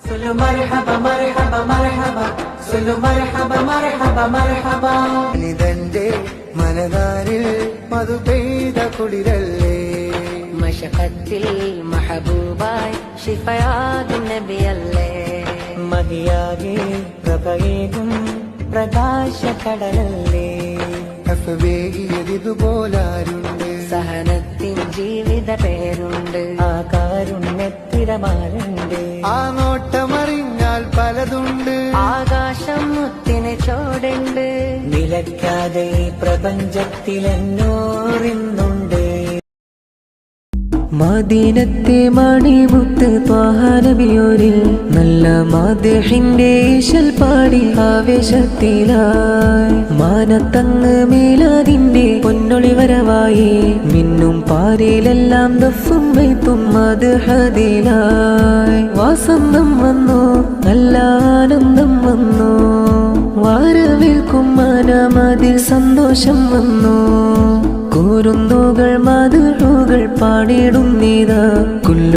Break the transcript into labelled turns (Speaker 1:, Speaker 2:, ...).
Speaker 1: صلوا مرحبا مرحبا مرحبا صلوا مرحبا مرحبا مرحبا
Speaker 2: നിതന്റെ മനതാരിൽ മധു പെയ്ത കുളിരല്ലേ
Speaker 3: മശഖത്തിൽ മഹബൂബായി ശിഫയാകും നബിയല്ലേ
Speaker 1: മഹിയാകെ പ്രഭയേകും പ്രകാശകടലല്ലേ
Speaker 2: അഫവേകിയതുപോലാരുണ്ട്
Speaker 3: സഹനത്തിൻ ജീവിത പേരുണ്ട്
Speaker 1: ആ കാരുണ്യത്തിരമാലുണ്ട്
Speaker 2: ആ നോട്ടമറിഞ്ഞാൽ പലതുണ്ട്
Speaker 3: ആകാശം മുത്തിന് ചോടുണ്ട്
Speaker 1: നിലയ്ക്കാതെ ഈ പ്രപഞ്ചത്തിലെന്നോറിന്നുണ്ട് മദീനത്തെ മണിമുത്ത് ത്വാഹ നബിയോരിൽ നല്ല മാദഹിന്റെ ഈശൽ പാടി ആവേശത്തിലായി മാനത്തങ്ങ് മീലാദിന്റെ പൊന്നൊളി വരവായി മിന്നും പാരിലെല്ലാം ദഫും വൈത്തും മദ്ഹദിലായി വാസന്തം വന്നു നല്ല ആനന്ദം വന്നു വാരവേൽക്കും മനമതിൽ സന്തോഷം വന്നു കൂരുന്നുകൾ മധുകൾ പാടിടുന്നീതാ